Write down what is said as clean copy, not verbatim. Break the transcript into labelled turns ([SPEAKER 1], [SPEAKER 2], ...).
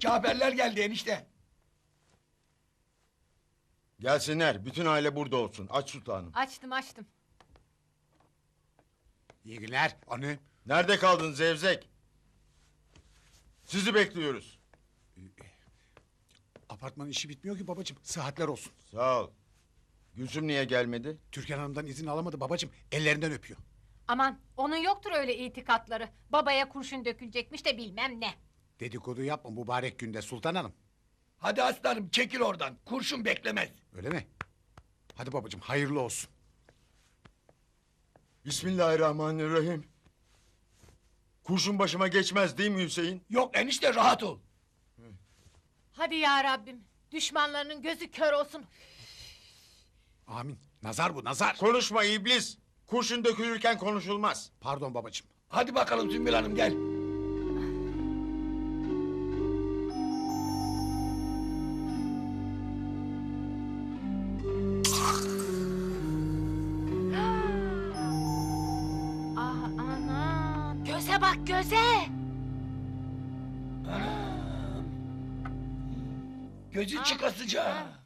[SPEAKER 1] Caferler geldi enişte.
[SPEAKER 2] Gelsinler. Bütün aile burada olsun. Aç sultanım.
[SPEAKER 3] Açtım.
[SPEAKER 4] İyi günler. Anne.
[SPEAKER 2] Nerede kaldın Zevzek? Sizi bekliyoruz.
[SPEAKER 4] Apartmanın işi bitmiyor ki babacığım. Sıhhatler olsun.
[SPEAKER 2] Sağ ol. Gülsüm niye gelmedi?
[SPEAKER 4] Türkan Hanım'dan izin alamadı babacığım. Ellerinden öpüyor.
[SPEAKER 3] Aman onun yoktur öyle itikatları. Babaya kurşun dökülecekmiş de bilmem ne.
[SPEAKER 4] Dedikodu yapma mübarek günde Sultan Hanım.
[SPEAKER 1] Hadi aslanım çekil oradan. Kurşun beklemez.
[SPEAKER 4] Öyle mi? Hadi babacığım hayırlı olsun.
[SPEAKER 2] Bismillahirrahmanirrahim. Kurşun başıma geçmez değil mi Hüseyin?
[SPEAKER 1] Yok enişte rahat ol.
[SPEAKER 3] Hadi ya Rabbim. Düşmanlarının gözü kör olsun.
[SPEAKER 4] Amin. Nazar bu nazar.
[SPEAKER 2] Konuşma iblis. Kurşun dökülürken konuşulmaz.
[SPEAKER 4] Pardon babacığım.
[SPEAKER 1] Hadi bakalım Sümbül Hanım gel.
[SPEAKER 3] Ah anam. Göze bak göze.
[SPEAKER 1] Gözü çıkasıca.